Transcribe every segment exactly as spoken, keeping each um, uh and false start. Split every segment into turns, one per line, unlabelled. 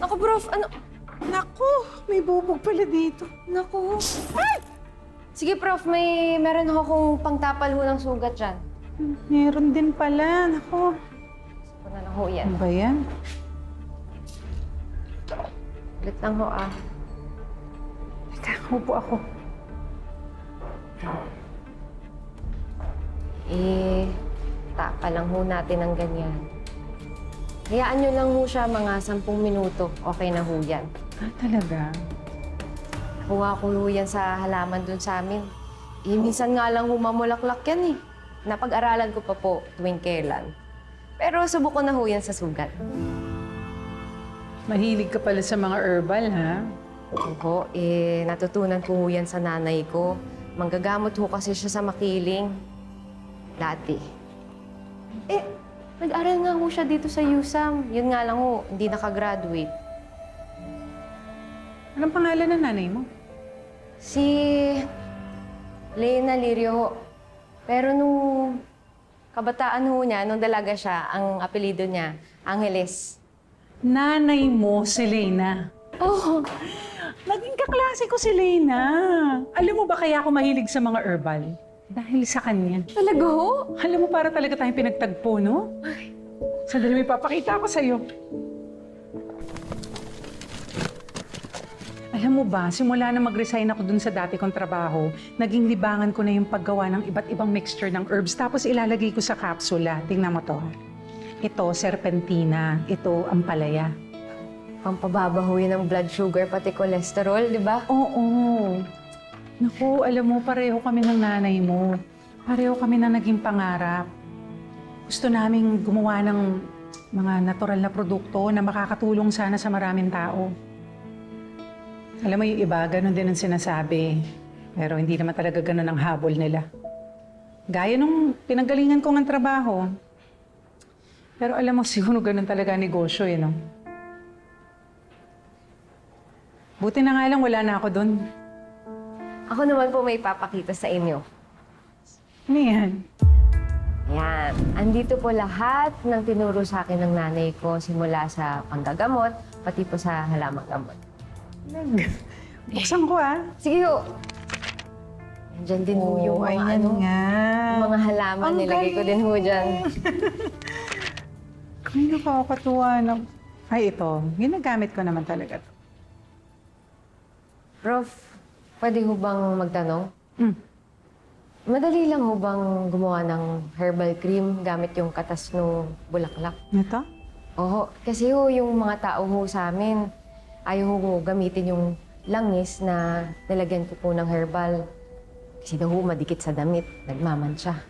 Naku, Prof, ano?
Naku, may bubog pala dito.
Naku. Ay! Sige, Prof, may meron ho akong pangtapal ho ng sugat dyan.
Meron din pala. Naku.
Gusto ko na lang ho yan.
Ano ba yan?
Ulit lang ho, ah.
Teka, upo ako.
Eh, tapa lang ho natin ng ganyan. Hayaan nyo lang ho siya mga sampung minuto. Okay na ho yan.
Ah, talaga?
Kuha ko ho yan sa halaman dun sa amin. Eh, minsan nga lang humamulaklak yan eh. Napag-aralan ko pa po tuwing kailan. Pero subukan na ho yan sa sugat.
Mahilig ka pala sa mga herbal, ha?
Oo, eh, natutunan ko ho yan sa nanay ko. Manggagamot ho kasi siya sa makiling. Dati. Eh, nag-aral nga ho siya dito sa U S A M. Yun nga lang ho, hindi nakagraduate.
Anong pangalan ng nanay mo?
Si Lena Lirio ho. Pero nung kabataan ho niya, nung dalaga siya, ang apelido niya, Angeles.
Nanay mo, si Lena.
Oh,
Naging kaklase ko si Lena. Alam mo ba kaya ako mahilig sa mga herbal? Dahil sa kanya.
talaga ho?
Alam mo, para talaga tayong pinagtagpo, no? Sandali, may papakita ko sa'yo. Alam mo ba, simula na mag-resign ako dun sa dati kong trabaho, naging libangan ko na yung paggawa ng iba't ibang mixture ng herbs, tapos ilalagay ko sa kapsula. Tingnan mo to. Ito, serpentina. Ito, ampalaya.
Pampababa ho yun ng blood sugar, pati cholesterol, di ba?
Oo. Naku, alam mo, pareho kami ng nanay mo. Pareho kami na naging pangarap. Gusto naming gumawa ng mga natural na produkto na makakatulong sana sa maraming tao. Alam mo yung iba, ganun din ang sinasabi. Pero hindi naman talaga ganun ang habol nila. Gaya nung pinanggalingan ko ng trabaho. Pero alam mo, siguro ganun talaga ang negosyo eh, no? Buti na nga lang wala na ako dun.
Ako naman po may papakita sa inyo.
Ano yan?
Yan. Andito po lahat ng tinuro sa akin ng nanay ko simula sa panggagamot, pati po sa halamang gamot.
Buksan ko ah.
Sige ho. Nandiyan din ho yung mga
ayan
ano,
nga.
yung mga halaman.
Ang
Nilagay ko
galing.
din ho dyan.
Ay, nakakatuwa na. Ay, ito. Ginagamit ko naman talaga to.
Prof, pwede ho bang magtanong?
Mm.
Madali lang ho bang gumawa ng herbal cream gamit yung katas ng bulaklak?
Ito?
Oo, kasi ho yung mga tao ho sa amin, ayaw ho gamitin yung langis na nilagyan ko po ng herbal. Kasi daw ho madikit sa damit, nagmamansya.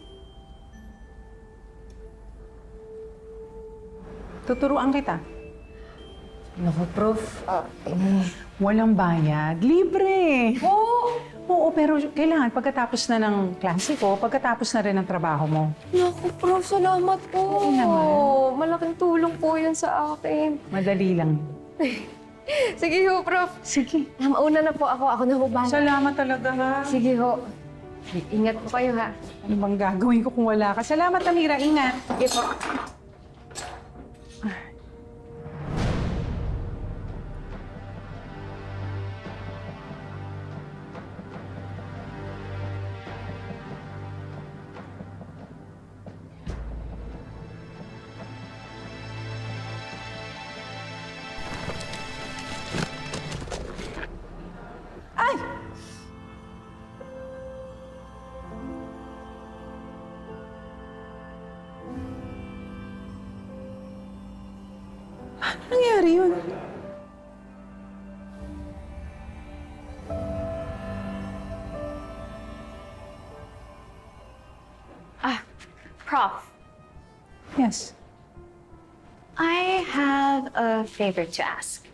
Tuturuan kita.
Naku, Prof. Eh,
Walang bayad. Libre.
oh!
Oo, pero kailangan pagkatapos na ng klase ko, pagkatapos na rin ng trabaho mo.
Naku, Prof, salamat po.
Oo naman.
Malaking tulong po yun sa akin.
Madali lang.
Sige ho, Prof.
Sige.
Ah, mauna na po ako. Ako na ho ba?
Salamat talaga ha.
Sige ho. Ingat po kayo, ha?
Ano bang gagawin ko kung wala ka? Salamat, Amira. Ingat.
Sige po.
Ay! Paano nangyari yun?
Ah, Prof,
Yes.
I have a favor to ask.